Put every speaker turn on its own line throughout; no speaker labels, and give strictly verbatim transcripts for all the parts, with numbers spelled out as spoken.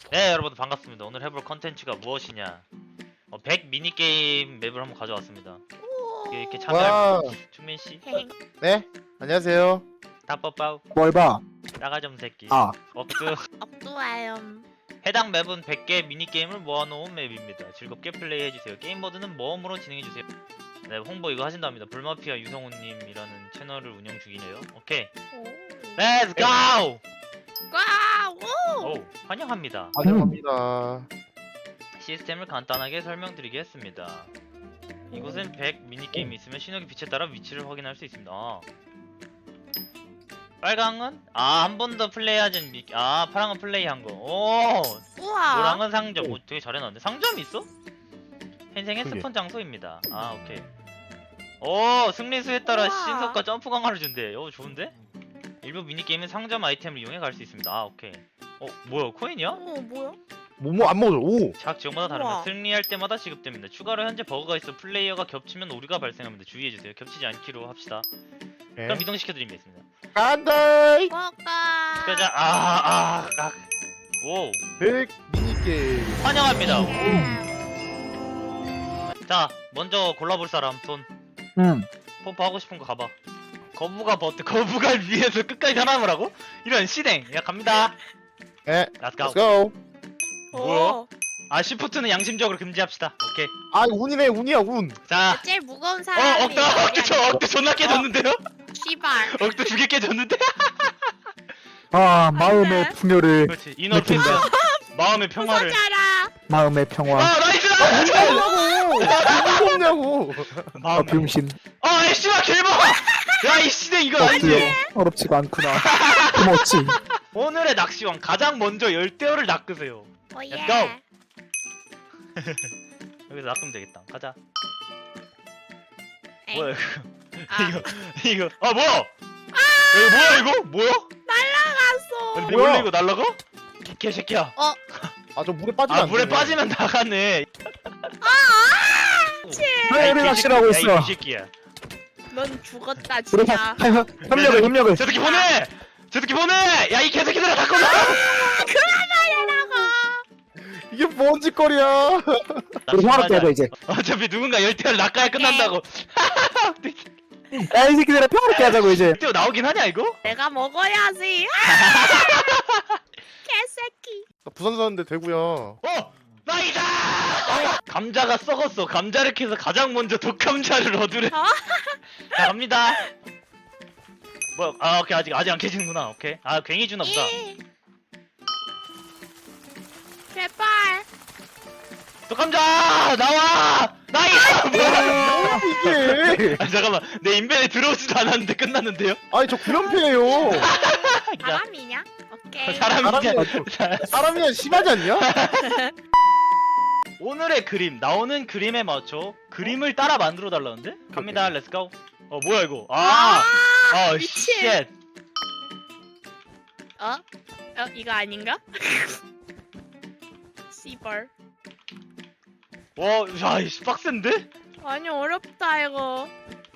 네, 여러분 반갑습니다. 오늘 해볼 컨텐츠가 무엇이냐? 어, 백 미니게임 맵을 한번 가져왔습니다. 이렇게, 이렇게 참여할
와,
충민 씨,
네, 안녕하세요.
다빠빠우,
뭘 봐?
따가점 새끼,
아,
억드.
억두와요.
해당 맵은 백 개 미니게임을 모아놓은 맵입니다. 즐겁게 플레이해주세요. 게임 모드는 모험으로 진행해주세요. 네, 홍보 이거 하신답니다. 불마피아 유성우님이라는 채널을 운영 중이네요. 오케이, 렛츠 고!
와우!
오, 환영합니다.
환영합니다.
시스템을 간단하게 설명드리겠습니다. 이곳엔 백 미니게임이 있으면 신호기 빛에 따라 위치를 확인할 수 있습니다. 아. 빨강은? 아, 한 번 더 플레이하진 미... 아, 파랑은 플레이한 거. 오!
우와!
노랑은 상점. 오, 되게 잘해놨는데. 상점이 있어? 현생의
그게.
스폰 장소입니다. 아, 오케이. 오! 승리수에 따라
우와.
신속과 점프 강화를 준대. 오, 좋은데? 일부 미니게임은 상점 아이템을 이용해 갈 수 있습니다. 아, 오케이. 어, 뭐야? 코인이야?
어, 뭐야?
뭐뭐 안 먹어. 오,
각 지역마다 다릅니다.
우와.
승리할 때마다 지급됩니다. 추가로 현재 버그가 있어 플레이어가 겹치면 오류가 발생합니다. 주의해주세요. 겹치지 않기로 합시다.
네.
그럼 이동시켜드리겠습니다.
간다.
먹까.
가자. 아, 아, 아. 오,
백 미니게임.
환영합니다.
음.
자, 먼저 골라볼 사람 손.
응.
펌프 하고 싶은 거 가봐. 거부가 버트, 거부가 위에서 끝까지 살아남으라고? 이런 시댕. 야, 갑니다.
네,
Let's
let's
go.
go.
뭐야?
오.
아, 시프트는 양심적으로 금지합시다. 오케이.
아, 운이네, 운이야, 운.
자,
제일 무거운
어,
사람이
억대, 억대, 저 억대 존나 깨졌는데요?
씨발.
억대 두 개 깨졌는데?
아, 마음의 풍요를,
그렇지. 이너 피스. 마음의 평화를.
부서져라.
마음의 평화.
아, 나이스!
운이냐고. 운 없냐고.
아,
마음.
병신.
아, 이 씨발 개봐! 야, 이 시대 이거 아니지?
어때요? 어렵지가 않구나. 고맙지.
오늘의 낚시왕 가장 먼저 열대어를 낚으세요.
오예.
Let's go. 여기서 낚으면 되겠다. 가자.
에이.
뭐야 이거?
아.
이거 이거 아 뭐야? 이거 뭐야 이거? 뭐야?
날라갔어.
근데
뭐야?
원래 이거 날라가? 개새끼야.
어.
아, 저 물에 빠지면
아
안
물에
되네.
빠지면 나가네.
왜 우리 낚시라고 했어?
야이 개새끼야.
넌 죽었다
우리
진짜.
협력을, 협력을.
저 새끼 보내! 저 새끼 보내! 야 이 개새끼들아 갖고 나!
이게 뭔 짓거리야.
우리 화로 떼자, 이제.
어차피 누군가 열대어를 낚아야 끝난다고.
야, 이 새끼들아, 평화롭게 하자고, 이제.
열대어 나오긴 하냐 이거?
내가 먹어야지. 개새끼.
나 부산 사는데 되고요.
어! 나이다! 감자가 썩었어. 감자를 캐서 가장 먼저 독감자를 얻으래.
어?
자, 갑니다. 뭐야? 아, 오케이. 아직 아직 안 캐지는구나. 오케이. 아, 괜히 주나 보다.
이. 제발.
독감자! 나와! 나이스! 뭐야?
이게.
아, 잠깐만. 내 인벤에 들어오지도 않았는데 끝났는데요?
아니, 저 구연패예요.
사람이냐? 오케이.
사람이냐?
사람이야 심하지 않냐?
오늘의 그림, 나오는 그림에 맞춰 그림을 따라 만들어 달라는데? 갑니다. 렛츠고. 어, 뭐야 이거? 아! 아,
미친.
쉣.
어? 어? 이거 아닌가? 씨발.
와, 야, 이씨 빡센데?
아니 어렵다 이거.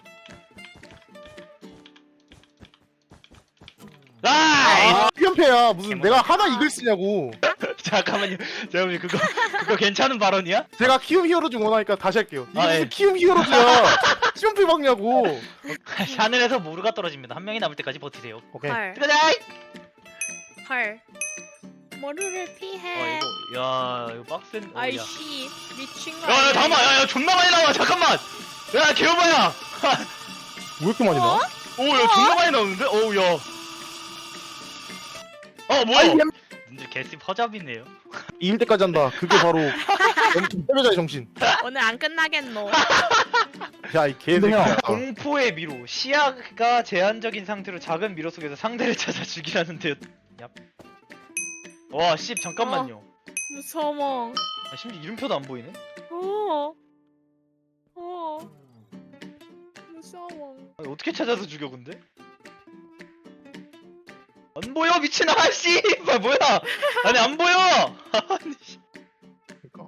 나이스!
아, 구연패야. 무슨
개모다.
내가 하나 이글 쓰냐고.
잠깐만요. 잠깐만요. 그거 그거 괜찮은 발언이야?
제가 키움 히어로즈 원하니까 다시 할게요. 이게
아,
무슨
예.
키움 히어로즈야. 시험필 박냐고.
하늘에서 모루가 떨어집니다. 한 명이 남을 때까지 버티세요.
오케이.
헐.
가자!
헐. 모루를
어,
피해.
이거 야, 이거 빡센. 어, 야.
아이씨 미친 거
야, 야,
아니야?
잠깐만. 야, 야, 존나 많이 나와. 잠깐만. 야, 개오바야.
왜 이렇게 많이
어?
나와?
오, 야, 존나 많이 나오는데? 어우, 야. 어, 뭐야? 문제 개씨 허잡이네요.
이길 때까지 한다. 그게 바로 패배자의 정신.
오늘 안 끝나겠노.
야, 이
근데 형,
개새끼야.
공포의 미로. 시야가 제한적인 상태로 작은 미로 속에서 상대를 찾아 죽이라는데요. 얍. 와, 씨, 잠깐만요.
무서워.
아, 심지어 이름표도 안 보이네?
어. 어. 무서워.
아니, 어떻게 찾아서 죽여, 근데? 안 보여, 미친 아씨! 뭐야, 뭐야! 아니, 안 보여! 아니, 씨.
그러니까.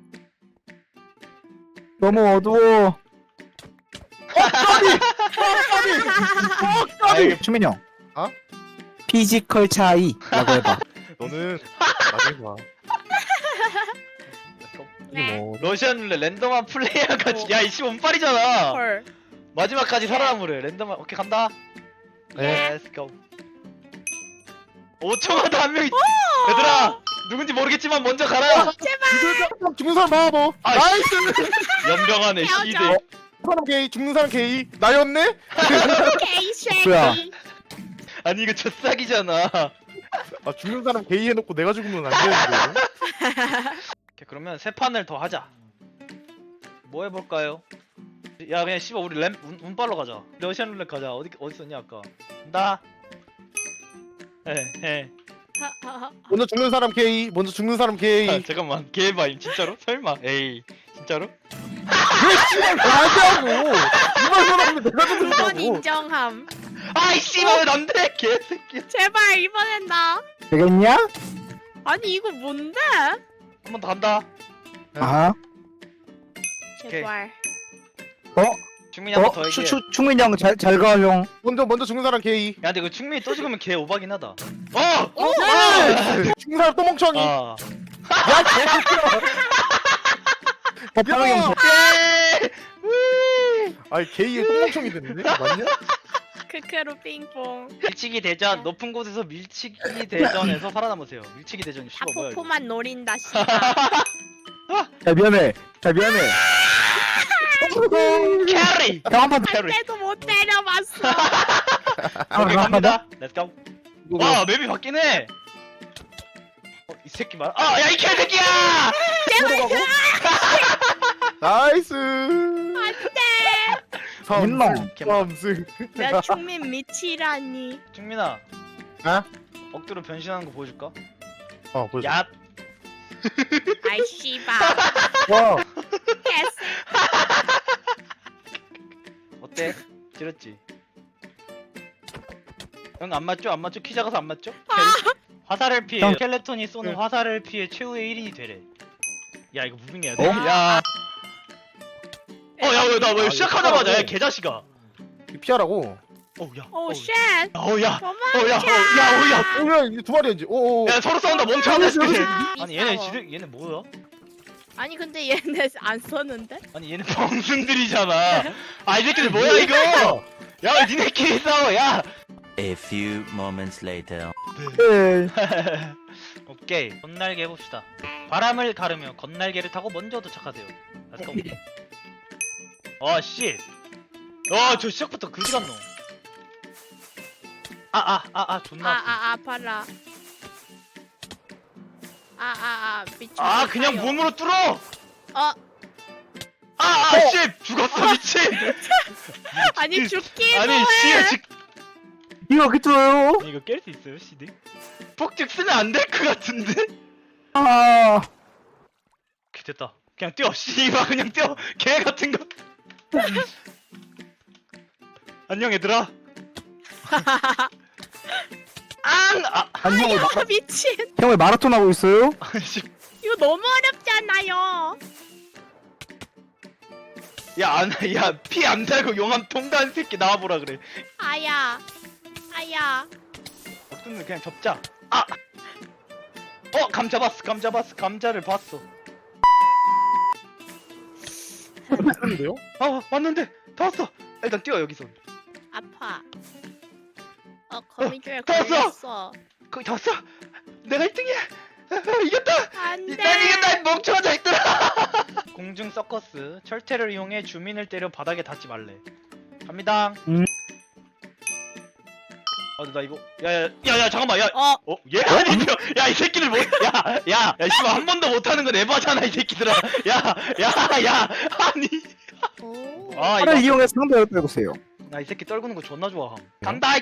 너무 어두워.
아이,
추민 형.
어?
피지컬 차이라고 해봐.
너는 나중에 봐.
네.
뭐
러시안 룰렛 랜덤한 플레이어까지. 야 이씨 운빨이잖아.
헐.
마지막까지 살아남으래. 랜덤한. 오케이 간다.
네.
Let's go. 오 초마다 한 명이. 얘들아 누군지 모르겠지만 먼저 가라.
죽는, 죽는 사람 봐봐 너.
아,
나이스.
연병하네
헤어져.
시대.
사람 게이 죽는 사람 게이 나였네.
개새끼.
뭐야?
아니 이거 젖싹이잖아.
아 죽는 사람 게이 해놓고 내가 죽으면 안 되는데.
오케이, 그러면 세 판을 더 하자. 뭐 해볼까요? 야 그냥 씨발 우리 램 운, 운빨로 가자. 러시안 룰렛 가자. 어디 어디 있었냐 아까. 나. 에 에.
먼저 죽는 사람 게이. 먼저 죽는 사람
아,
게이.
잠깐만 개바임 진짜로? 설마? 에이 진짜로?
나하고 이만 사람인데 내가
이번
죽는다고.
인정함.
아이 씨발 안돼 개새끼.
제발 이번엔 나.
되겠냐?
아니 이거 뭔데?
한 번 더 간다.
아하.
제발.
충민이 한 번 더
어?
얘기해.
추, 추, 충민이 형 잘 잘 가 형.
먼저 먼저 죽는 사람 게이.
야 근데 이거 충민이 또 죽으면 개 오바긴 하다. 어!
네. 죽는 사람 또 멍청이.
아.
법하는 형.
야!
예! 우!
아니 게이에 또 멍청이 됐는데 맞냐?
크크로 핑퐁.
밀치기 대전 높은 곳에서 밀치기 대전에서 살아남으세요. 밀치기 대전 씨발 뭐야 이거.
하포포만 노린다 씨발.
자 미안해. 자 미안해.
캐리.
형 한판
캐리.
때도 못 때려봤어.
오케이
한 판 더.
갑니다. 렛츠 고. 와 맵이 바뀌네. 어, 이 새끼 말. 아 야 이 개새끼야.
나이스.
안돼.
민망.
삼승.
내 충민 미치라니.
충민아.
아?
억지로 변신하는 거 보여줄까?
어 보여줘.
야.
아이 씨발.
와.
개새.
어때? 지렸지? 형 안 맞죠? 안 맞죠? 키 작아서 안 맞죠? 화살을 피해.
형.
스켈레톤이 쏘는
응.
화살을 피해 최후의 일 인이 되래. 야 이거 무빙해야 돼.
어?
야. 어, 야, 왜, 나 왜
아,
시작하자마자,
이거
야, 개자식아.
피하라고.
어, 야.
오
어,
쉣.
어, 야.
그만.
어, 야, 어, 야, 어, 야.
오야 이제 두 마리야 이제. 오오.
야, 서로 싸운다, 멍청한 새끼들.
아,
아니, 얘네,
미싸워.
지들, 얘네 뭐야?
아니 근데 얘네 안 썼는데?
아니, 얘네 병순들이잖아. 아, 이 새끼들 뭐야, 이거? 야, 왜 니네끼리 싸워, 야.
A few moments later.
네.
오케이, 건날개 해봅시다. 바람을 가르며 건날개를 타고 먼저 도착하세요. 렛츠고. 어, 씨. 어, 저 시작부터 그지 같노. 아, 아, 아, 아, 존나. 아프네.
아아 아파라. 아아아 미친.
아, 그냥 몸으로 뚫어!
어
아, 아, 씨! 죽었어, 미친!
아니 죽기
아니,
뭐해?
씨, 지...
이거 그쳐요.
아니, 이거 깰 수 있어요, 씨디? 폭죽 쓰면 안 될 것 같은데?
아.
오케이, 됐다. 그냥 뛰어, 씨발, 그냥 뛰어! 개 같은 거! 안녕, 얘들아. 앙! 아,
아니 형을 마,
아 미친.
형을 마라톤 하고 있어요?
씨.
이거 너무 어렵잖아요.
야, 안, 야, 피 안 달고 용암 통과한 새끼 나와보라 그래.
아야 아야.
어떤 그냥 접자. 아! 어, 감 잡았어, 감 잡았어, 감자를 봤어.
했는데요?
아, 왔는데! 다 왔어! 일단 뛰어, 여기서.
아파. 어 거미줄에
다 왔어!
걸렸어.
거기 다 왔어! 내가 일 등이야! 이겼다!
안돼.
난 이겼다! 이 멍청한 자식들아! 공중 서커스. 철퇴를 이용해 주민을 때려 바닥에 닿지 말래. 갑니다.
음.
아, 나 이거. 야, 야, 야, 야, 잠깐만, 야.
어
어? 얘 아니죠? 야, 이 새끼들 뭐, 야, 야, 야, 씨발, 한 번도 못하는 건 에바잖아, 이 새끼들아. 야, 야, 야, 아니.
오.
아,
팔을
이거.
이용해서 상대를 빼보세요.
나 이 새끼 떨구는 거 존나 좋아함. 간다! 이.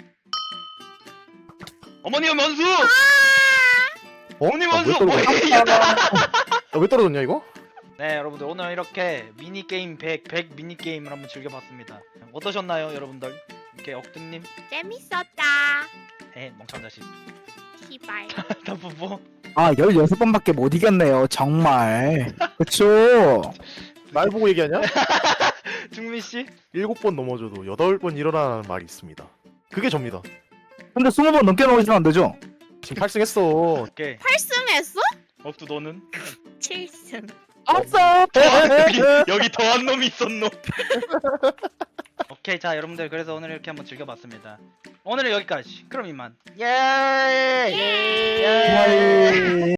어머니 원수!
어?
어머니
아, 왜
원수!
떨어져?
뭐, 이겼다!
아, 왜 떨어졌냐 이거?
네, 여러분들, 오늘 이렇게 미니게임 백, 백 미니게임을 한번 즐겨봤습니다. 어떠셨나요, 여러분들? 이렇게 억등님?
재밌었다.
에, 멍청한 자식.
시발.
다 뽀뽀.
아 열여섯 번밖에 못 이겼네요. 정말. 그쵸?
날 보고 얘기하냐?
중민씨?
일곱 번 넘어져도 여덟 번 일어나는 말이 있습니다. 그게 접니다.
근데 스무 번 넘게 넘어지면 안 되죠?
지금 팔 승했어.
오케이.
팔 승했어?
억두 너는?
칠 승.
없어.
여기, 여기 더한 놈이 있었노. 오케이, 자 여러분들 그래서 오늘 이렇게 한번 즐겨봤습니다. 오늘은 여기까지. 그럼 이만. 예.
예.
예.